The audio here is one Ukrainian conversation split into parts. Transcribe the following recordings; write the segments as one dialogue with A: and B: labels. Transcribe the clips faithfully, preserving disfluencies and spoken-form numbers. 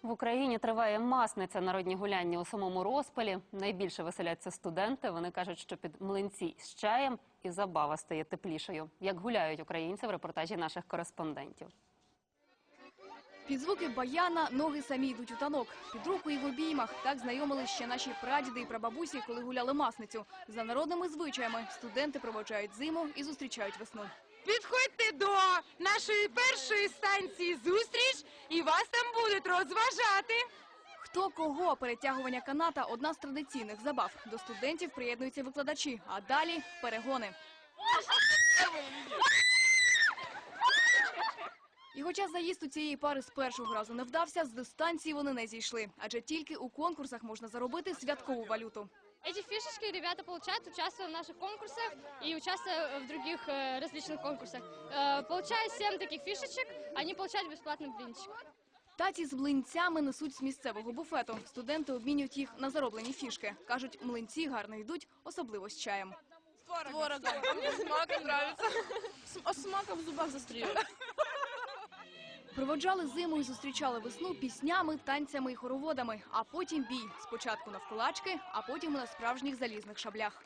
A: В Україні триває масниця, народні гуляння у самому розпалі. Найбільше веселяться студенти. Вони кажуть, що під млинці з чаєм і забава стає теплішою. Як гуляють українці в репортажі наших кореспондентів.
B: Під звуки баяна ноги самі йдуть у танок. Під руку і в обіймах. Так знайомились ще наші прадіди і прабабусі, коли гуляли масницю. За народними звичаями студенти проводжають зиму і зустрічають весну.
C: Підходьте до нашої першої станції «Зустріч» і вас там будуть розважати.
B: Хто кого? Перетягування каната – одна з традиційних забав. До студентів приєднуються викладачі, а далі – перегони. І хоча заїзд у цієї пари з першого разу не вдався, з дистанції вони не зійшли. Адже тільки у конкурсах можна заробити святкову валюту.
D: Эти фишечки ребята получают, участвуя в наших конкурсах и участвуя в других э, различных конкурсах. Э, получая семь таких фишечек, они получают бесплатный блинчик.
B: Таці з млинцями несуть з місцевого буфету. Студенти обмінюють їх на зароблені фішки. Кажуть, млинці гарно йдуть, особливо з чаєм.
C: С творогом. А мне с маком нравится. С маком в зубах застрелю.
B: Проводжали зиму і зустрічали весну піснями, танцями і хороводами. А потім бій. Спочатку навколачки, а потім на справжніх залізних шаблях.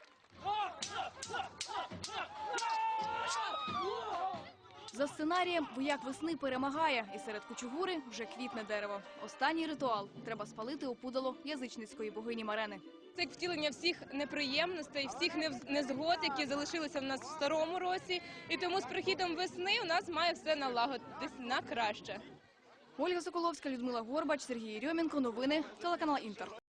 B: За сценарієм вояк весни перемагає, і серед кучугури вже квітне дерево. Останній ритуал – треба спалити опудало язичницької богині Марени.
E: Це як втілення всіх неприємностей, всіх незгод, які залишилися в нас в старому році. І тому з прихідом весни у нас має все налагодитись на краще.
B: Ольга Соколовська, Людмила Горбач, Сергій Єрьомінко. Новини, телеканал «Інтер».